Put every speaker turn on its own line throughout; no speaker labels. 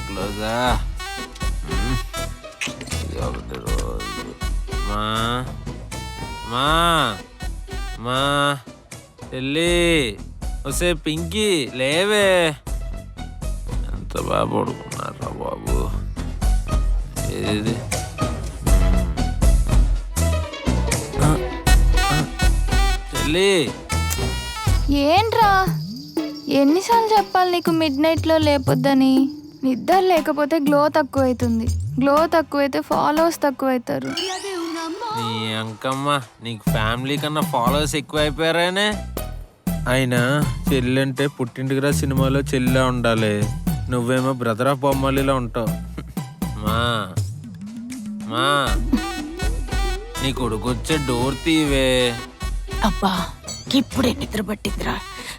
క్లోజా ఒకటి రోజు మా మా మా చెల్లి వస్తే పింకీ లేవే ఎంత బాగా పడుకున్నారా బాబు ఏది చెల్లి
ఏంట్రా ఎన్నిసార్లు చెప్పాలి నీకు మిడ్ నైట్లో లేపొద్దని? నిద్ర లేకపోతే గ్లో తక్కువైతుంది, గ్లో తక్కువైతే ఫాలోవర్స్ తక్కువైతారు.
నీ అంకమ్మ నీకు ఫ్యామిలీ కన్నా ఫాలోవర్స్ ఎక్కువ అయిపోయారానే. అయినా చెల్లి అంటే పుట్టింటికిరా సినిమాలో చెల్లిలా ఉండాలి, నువ్వేమో బ్రదర్ ఆఫ్ బొమ్మలిలా ఉంటావు. మా మా నీ కొడుకు వచ్చే డోర్ తీవే.
అబ్బా ఇప్పుడే నిద్ర పట్టిద్దిరా.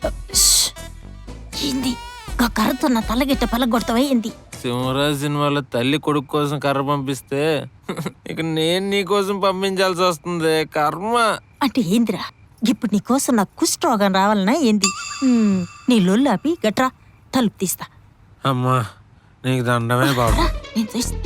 ఏంది కర్రతో నా తలగిట్ట పలగొడతావా ఏంది?
సింహరాజ్ సినిమాలో తల్లి కొడుకు కోసం కర్ర పంపిస్తే ఇక నేను నీ కోసం పంపించాల్సి వస్తుంది. కర్మ
అంటే ఏందిరా? ఇప్పుడు నీ కోసం నాకు కుష్ఠరోగం రావాలనా ఏంది? నీ లొల్లు ఆపి గట్రా తలుపు తీస్తా.
అమ్మా నీకు దండమే బాబు.
నేను చూస్తా.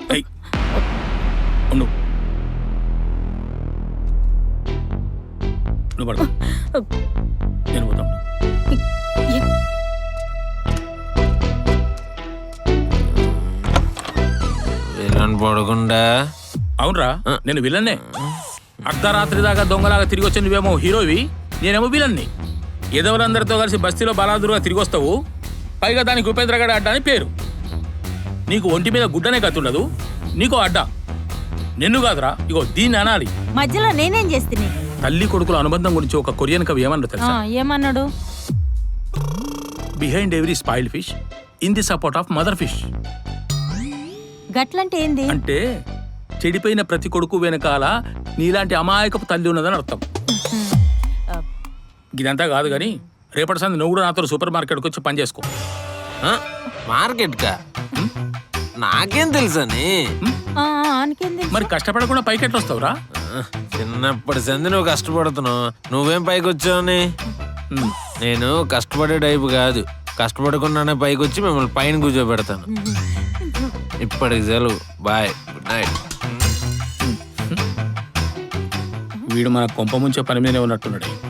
విలన్ పడకుండా.
అవునరా నేను విలన్నే. అర్ధరాత్రి దాకా దొంగలాగా తిరిగి వచ్చి నువ్వేమో హీరోవి, నేనేమో విలన్ని. ఎదవలందరితో కలిసి బస్తీలో బలాదురుగా తిరిగి వస్తావు, పైగా దానికి ఉపేంద్రగడ అడ్డ అని పేరు. నీకు ఒంటి మీద గుడ్డనే కత్తుండదు, నీకో అడ్డ. నిన్ను కాదురా ఇగో దీన్ని అనాలి.
మధ్యలో నేనేం చేస్తుంది?
తల్లి కొడుకుల అనుబంధం గురించి ఒక కొరియన్ కవి ఏమన్నా తెలుసా?
ఏమన్నాడు?
Behind every spoiled fish in the support of mother fish.
గట్లంటే ఏంది?
అంటే చెడిపోయిన ప్రతి కొడుకు వెనకాల నీలాంటి అమాయకపు తల్లి ఉన్నదని అర్థం. ఇదంతా కాదు కానీ రేపటి సంది నువ్వు కూడా నాతో సూపర్ మార్కెట్కి వచ్చి పని చేసుకో.
మార్కెట్ కా? నాకేం తెలుసని.
మరి కష్టపడకుండా పైకెట్లు వస్తావురా?
చిన్నప్పటి సంది నువ్వు కష్టపడుతున్నావు, నువ్వేం పైకి వచ్చావని. నేను కష్టపడే టైపు కాదు, కష్టపడకుండానే పైకి వచ్చి మిమ్మల్ని పైన కూర్చోబెడతాను. ఇప్పటికి సెలవు, బాయ్, గుడ్ నైట్.
వీడు మన కొంప ముంచే పని మీదనే ఉన్నట్టున్నాడు.